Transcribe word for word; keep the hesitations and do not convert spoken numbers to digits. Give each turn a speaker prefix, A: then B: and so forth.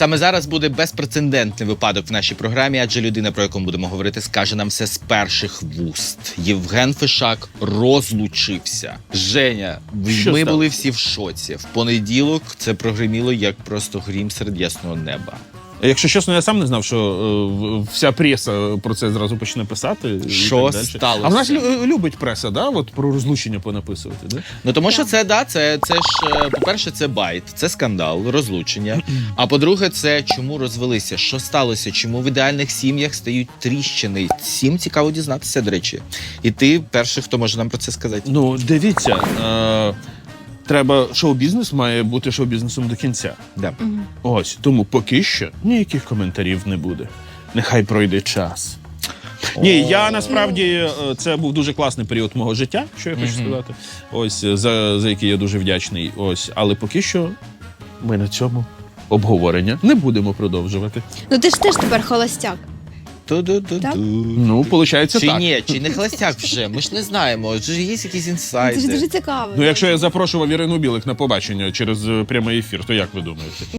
A: Саме зараз буде безпрецедентний випадок в нашій програмі, адже людина, про яку ми будемо говорити, скаже нам все з перших вуст. Євген Фишак розлучився. Женя,
B: Що
A: ми
B: сталося?
A: були всі в шоці. В понеділок це прогриміло як просто грім серед ясного неба.
B: Якщо чесно, я сам не знав, що е, вся преса про це зразу почне писати. і
A: Що
B: так далі.
A: сталося?
B: А в нас лю- любить преса, да? От про розлучення понаписувати, да?
A: Ну тому що це, да, це, це ж, е, по-перше, це байт, це скандал, розлучення. А по-друге, це чому розвелися, що сталося, чому в ідеальних сім'ях стають тріщини. Всім цікаво дізнатися, до речі. І ти перший, хто може нам про це сказати.
B: Ну, дивіться, е, треба, шоу-бізнес має бути шоу-бізнесом до кінця.
A: Да.
B: Ось, тому поки що ніяких коментарів не буде. Нехай пройде час. Ні, я насправді, е, це був дуже класний період мого життя, що я хочу сказати. Ось, за, за який я дуже вдячний. Ось, але поки що ми на цьому обговорення не будемо продовжувати.
C: Ну ти ж теж тепер холостяк.
A: Ту-ду-ду-ду.
C: Так.
B: Ну, виходить,
A: Чи
B: так.
A: ні, чи не холостяк вже? Ми ж не знаємо. Чи ж є якісь
C: Це ж
A: інсайди?
C: дуже цікаво.
B: Ну, якщо я запрошував Ірину Білик на побачення через е, прямий ефір, то як ви думаєте?